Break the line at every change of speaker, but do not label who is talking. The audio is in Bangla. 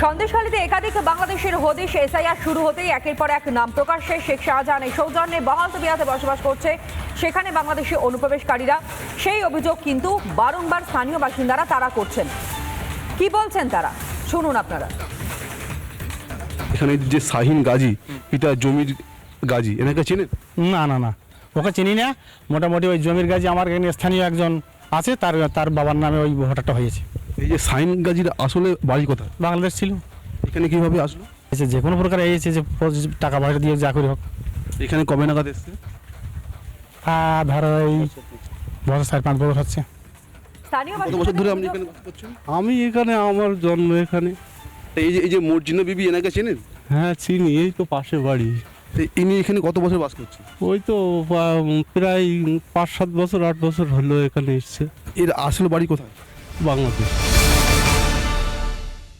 সন্দেশখালীতে একাধিক বাংলাদেশের হদিশ এসআইআর শুরু হতেই একের পর এক নাম প্রকাশ্যে শেখ শাহজাহানের সৌজন্যে বহালতবিয়াতে বসবাস করছে সেখানে বাংলাদেশি অনুপ্রবেশকারীরা। সেই অভিযোগ কিন্তু বারংবার স্থানীয় বাসিন্দারা তারা করছেন। কি বলছেন তারা শুনুন আপনারা।
এখানে যে শাহিন গাজী, এটা জমির গাজী, এনাকে চেনেন?
না ওকে চিনি না। মোটামুটি ওই জমির গাজী আমার এখানে স্থানীয় একজন আছে, তার বাবার নামে ওই ভোটারটা হয়েছে।
এই যে শাহিন গাজীর আসলে বাড়ি কোথায়?
বাংলাদেশ ছিল।
এখানে কিভাবে আসলো?
যে কোনো প্রকার এসেছে, যে টাকা পয়সা দিয়ে যা করে হোক।
এখানে কবে নাগাদ এসছে?
ধরো এই বছর 4-5 বছর হচ্ছে।
স্থানীয়
কত বছর ধরে আপনি এখানে বাস করছেন?
আমি এখানে, আমার জন্ম এখানে।
এই যে মর্জিনা বিবি, এনাকে চেনেন?
হ্যাঁ চিনি, এই তো পাশে বাড়ি।
ইনি এখানে কত বছর বাস করছেন?
ওই তো প্রায় 5-7 বছর 8 বছর হলো এখানে এসছে।
এর আসল বাড়ি কোথায়?
বাংলাদেশ।